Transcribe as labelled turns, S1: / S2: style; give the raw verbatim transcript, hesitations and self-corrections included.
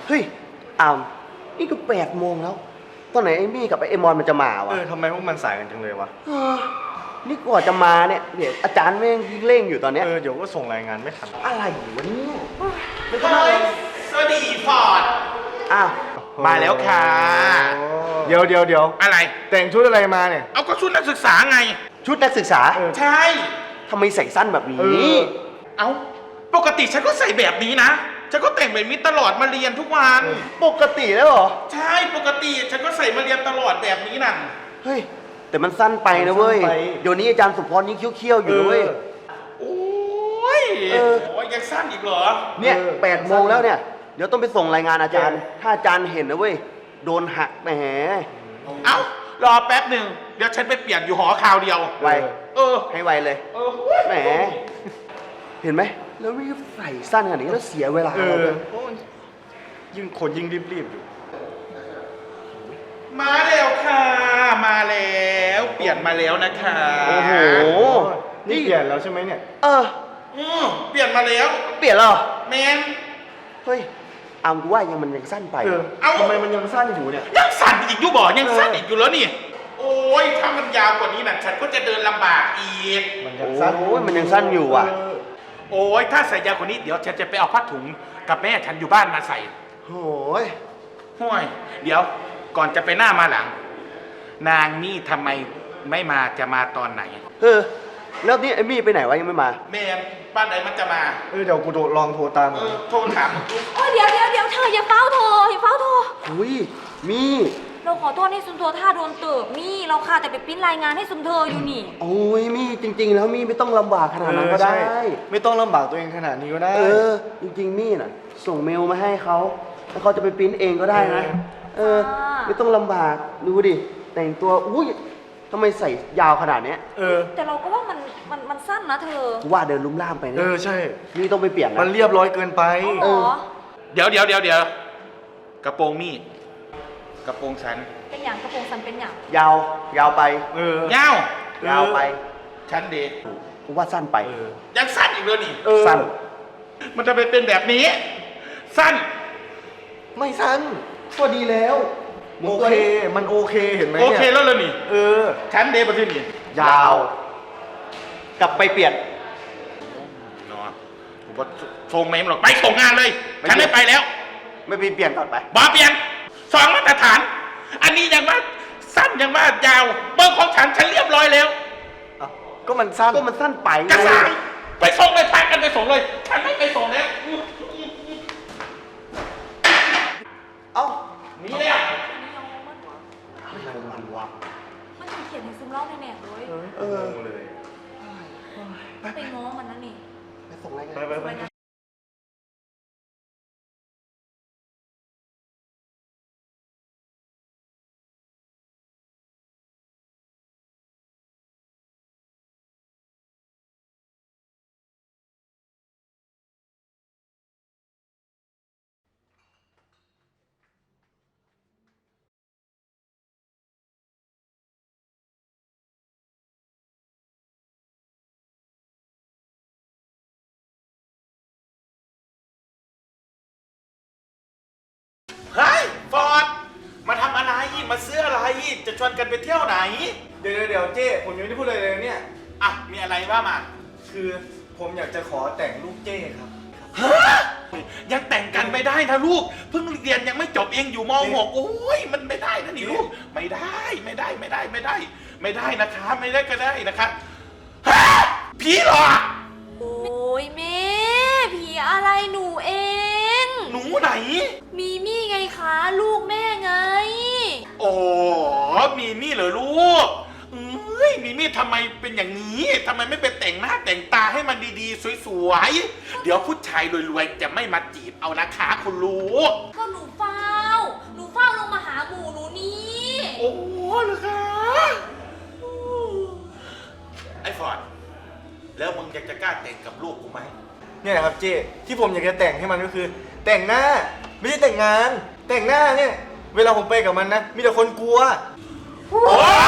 S1: เฮ้ยอามนี่ก็แปดโมงแล้วตอนไหนไอ้มี่กับไอ้เอมอนมันจะมาวะ
S2: เออทำไมพวกมันสายกันจังเลยวะ
S1: เออนี่กว่าจะมาเนี่ยเดี๋ยวอาจารย์แม่งยิ่งเร่งอยู่ตอนเนี้ย
S2: เออเดี๋ยวก็ส่งรายงานไม่ทัน
S1: อะไรวะเนี่ยไม่ก็
S3: เฮ้
S1: ได้
S3: ยสวัสดีฟอร์ด
S1: อ้าว
S3: มาแล้วค่ะ
S2: เดี๋ยวเดี๋ยวเดี๋ยว
S3: อะไร
S2: แต่งชุดอะไรมาเนี่ย
S3: เอาก็ชุดนักศึกษาไง
S1: ชุดนักศึกษา
S2: เออ
S3: ใช่
S1: ทำไมใส่สั้นแบบนี้
S2: เออ
S3: เอาปกติฉันก็ใส่แบบนี้นะ ฉันก็แต่งแบบนี้ตลอดมาเรียนทุกวัน
S1: ปกติแล้วเหรอ
S3: ใช่ ปกติฉันก็ใส่มาเรียนตลอดแบบนี้น่ะ
S1: เฮ้ยแต่มันสั้นไปนะเว้ย
S2: มันสั้นไป
S1: เดี๋ยวนี้อาจารย์สุพรยิ่งเคี้ยวๆอยู่นะเว้ย
S3: โอ้ย
S1: เออ
S3: โอ้ยยังสั้นอีกเหรอ
S1: เนี่ย
S2: เออ
S1: แปดโมงแล้วเนี่ยเดี๋ยวต้องไปส่งรายงานอาจารย์
S2: เออ
S1: ถ้าอาจารย์เห็นนะเว้ยโดนหักแหม
S3: เอ้ารอแป๊บหนึ่งเดี๋ยวฉันไปเปลี่ยนอยู่หอคราวเดียว
S1: ไว
S3: เออ
S1: ให้ไวเลย
S3: เออ
S1: แหมเห็นไหมแล้วรีบใส่สั้นขนาดนี้แล้วเสียเวลา
S2: เอ
S1: เรา
S2: อ
S1: เลย
S2: โอ้ยยิ่งคนยิ่งรีบๆอยู่
S3: มาแล้วค่ะ มาแล้ว เปลี่ยนมาแล้วนะคะ
S1: โอ้โห
S2: นี่เปลี่ยนแล้วใช่ไหมเนี่ย
S1: เออ
S3: อืมเปลี่ยนมาแล้ว
S1: เปลี่ยนแล้วเหรอ
S3: แมน
S1: เฮ้ยอามกูว่ายังมันยังสั้นไป
S2: เออ
S3: เอ้า
S2: ทำไมมันยังสั้นอยู่เนี่ย
S3: ยังสั่นอีกอยู่บ่ยังสั่น
S2: เอออี
S3: อีกอยู่แล้วนี่ โอ้ยถ้ามันยาวกว่านี้น่ะฉันก็จะเดินลำบากอีก
S2: มันยังสั้น
S1: โอ้ยมันยังสั้นอยู่ว่ะ
S2: เออ
S3: โอ้ยถ้าใส่ยาวกว่านี้เดี๋ยวฉันจะไปเอาผ้าถุงกับแม่ฉันอยู่บ้านมาใส่
S1: โอ้ย
S3: ห่วย เดี๋ยวก่อนจะไปหน้ามาหลัง นางนี่ทำไมไม่มาจะมาตอนไหน
S1: เออแล้วนี่ไอ้มี่ไปไหนวะยังไม่มา
S3: แม่บ้านไหนมันจะมา
S2: เออเดี๋ยวกูโทรลองโทรตาม
S3: เอ
S2: ก่อน
S3: อโทรถาม
S4: โอ้ยเดี๋ยวเดี๋ยวเดี๋ยวเธออย่าเฝ้าโทรอย่าเฝ้าโทร
S1: อุ้ยมี่
S4: เราขอโทษให้ซุนโทท่าโดนเติบนี่เราค่ะแต่ไปปริ้นรายงานให้ซุนเธออยู่นี่
S1: โอ้ยมี่จริง ๆ แล้วมี่ไม่ต้องลำบากขนาดนั้นก็ได้
S2: เออใช่ไม่ต้องลำบากตัวเองขนาดนี้ก็ได้
S1: เออ จริงๆมี่น่ะ ส่งเมลมาให้เขาแล้วเขาจะไปปริ้นเองก็ได้นะ เออ ไม่ต้องลำบากดูดิแต่งตัวอุ้ยทำไมใส่ยาวขนาดเนี้ย
S2: เออ
S4: แต่เราก็ว่ามันมันมันสั้นนะเธอ
S1: กูว่าเดินลุ่มล่ามไป
S2: เอ
S1: นะ
S2: อใช่
S1: มี่ต้องไปเปลี่ยนนะ
S2: มันเรียบร้อยเกินไป
S4: เอาเหรอ
S3: เดี๋ยวเดี๋ยวเดี๋ยวเดี๋ยวกระโปรงมีดกระโปรงฉัน
S4: เป็นอย่างกระโปรงสั้นเป็นอย่าง
S1: ยาวยาวไป
S2: เออ
S3: เงา
S2: เออ
S1: ยาวไป
S3: ฉันเด็ก
S1: กูว่าสั้นไป
S2: เออ
S3: ยังสั้นอีกเลยนี่
S2: เออ
S1: สั้น
S3: มันจะไปเป็นแบบนี้ สั้น
S1: ไม่สั้นก็ดีแล้ว
S2: โอเค มันโอเคเห็นไหม
S3: โอ
S2: เนี่ย
S3: เคแล้วเลยนี่
S2: เออ
S3: ฉันเดย์ประเทศนี่
S1: ยาว กลับไปเปลี่ยน
S3: เนาะผมว่าส่งเมมหรอกไปส่งงานเลย
S1: ไม่
S3: ฉันไม่ไปแล้ว
S1: ไม่ไปเปลี่ยนก่อนไป
S3: บอเปลี่ยนสองมาตรฐาน อันนี้ยังว่าสั้นยังว่ายาวเบอร์ของฉันฉันเรียบร้อยแล้ว
S2: ก็มันสั้น
S1: ก็มันสั้นไปไง
S3: กระสายไปส่งเลยพากันไปส่งเลย ฉันไม่ไปส่งแล้ว
S1: เอ้า
S3: นี่เลยอ่ะ
S1: อะไรมันวะ
S4: มันจะเขียนในซึมเล่าในแหนบเลย
S1: เออ
S2: เลย
S4: ไปง้อมันนะนี่
S1: ไปส่งรายงาน
S2: ไปไปไป
S3: เฮ้ยฟอร์ดมาทำอะไร มาซื้ออะไร จะชวนกันไปเที่ยวไหน
S2: เดี๋ยวเดี๋ยวเดี๋ยวเจ้ผมยังไม่ได้พูดอะไรเลยเนี่ย
S3: อ่ะ มีอะไรว่ามา
S2: คือผมอยากจะขอแต่งลูกเจ้ครับ
S3: ฮะยังแต่งกันไม่ได้นะลูก เพิ่งเรียนยังไม่จบเองอยู่ม หกโอ้ยมันไม่ได้นะนี่ลูก ไม่ได้ไม่ได้ไม่ได้ไม่ได้ ไม่ได้นะคะ ไม่ได้ก็ได้นะคะฮะผีหรอ
S4: โอ้ยแม่ผีอะไรหนูเอง
S3: หนูไหน
S4: มีมี่ไงคะลูกแม่ไง
S3: โอ้มีมี่เหรอลูกเอ้ยมีมี่ทำไมเป็นอย่างนี้ทำไมไม่ไปแต่งหน้าแต่งตาให้มันดีๆสวยๆเดี๋ยวผู้ชายรวยๆจะไม่มาจีบเอานะคะคุณลูก
S4: ก็หนูเฝ้า หนูเฝ้าลงมาหาหมูหนูนี่
S3: โอ้เหรอคะไอ้ฟอร์ดแล้วมึงอยากจะกล้าแต่งกับลูกกูไหม
S2: เนี่ยนะครับเจ้ที่ผมอยากจะแต่งให้มันก็คือ แต่งหน้าไม่ใช่แต่งงาน แต่งหน้าเนี่ย เวลาผมไปกับมันนะมีแต่คนกลัว
S3: โอ้